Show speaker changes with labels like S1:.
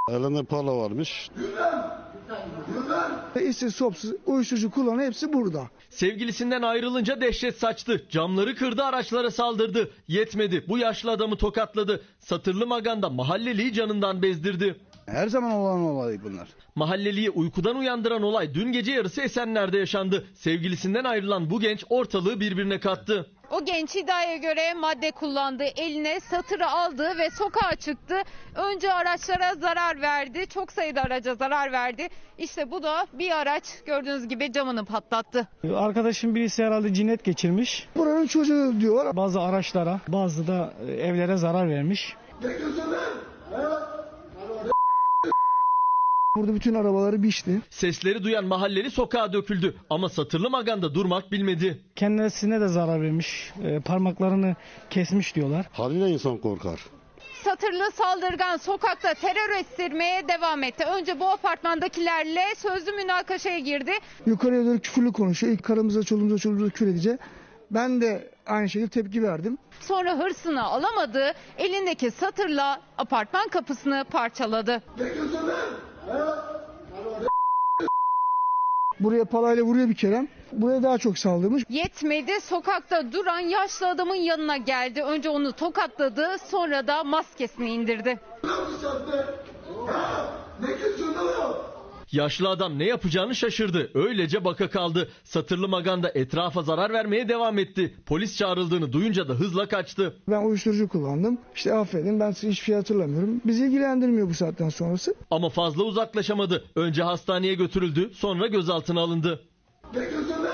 S1: Elinde pala varmış.
S2: İşsiz, sopsuz, uyuşturucu kullanan hepsi burada.
S3: Sevgilisinden ayrılınca dehşet saçtı. Camları kırdı, araçlara saldırdı. Yetmedi. Bu yaşlı adamı tokatladı. Satırlı Magan'da mahalleliyi canından bezdirdi.
S2: Her zaman olan olay bunlar.
S3: Mahalleliyi uykudan uyandıran olay dün gece yarısı Esenler'de yaşandı. Sevgilisinden ayrılan bu genç ortalığı birbirine kattı.
S4: O genç iddiaya göre madde kullandı, eline satırı aldı ve sokağa çıktı. Önce araçlara zarar verdi, çok sayıda araca zarar verdi. İşte bu da bir araç, gördüğünüz gibi camını patlattı.
S5: Arkadaşım birisi herhalde cinnet geçirmiş.
S2: Buranın çocuğu diyorlar.
S5: Bazı araçlara, bazı da evlere zarar vermiş.
S2: Burada bütün arabaları biçti.
S3: Sesleri duyan mahalleli sokağa döküldü ama Satırlı Magan'da durmak bilmedi.
S5: Kendisine de zarar vermiş. Parmaklarını kesmiş diyorlar.
S1: Haliyle insan korkar.
S4: Satırlı saldırgan sokakta terör estirmeye devam etti. Önce bu apartmandakilerle sözlü münakaşaya girdi.
S2: Yukarıya doğru küfürlü konuşuyor. İlk karımıza, çoluğumuza küfür edince ben de aynı şekilde tepki verdim.
S4: Sonra hırsını alamadı, elindeki satırla apartman kapısını parçaladı.
S2: Buraya palayla vuruyor bir kere. Buraya daha çok saldırmış.
S4: Yetmedi, sokakta duran yaşlı adamın yanına geldi. Önce onu tokatladı, sonra da maskesini indirdi.
S3: Yaşlı adam ne yapacağını şaşırdı. Öylece baka kaldı. Satırlı Magan'da etrafa zarar vermeye devam etti. Polis çağrıldığını duyunca da hızla kaçtı.
S2: Ben uyuşturucu kullandım. İşte affedin, ben size hiçbir şey hatırlamıyorum. Bizi ilgilendirmiyor bu saatten sonrası.
S3: Ama fazla uzaklaşamadı. Önce hastaneye götürüldü, sonra gözaltına alındı.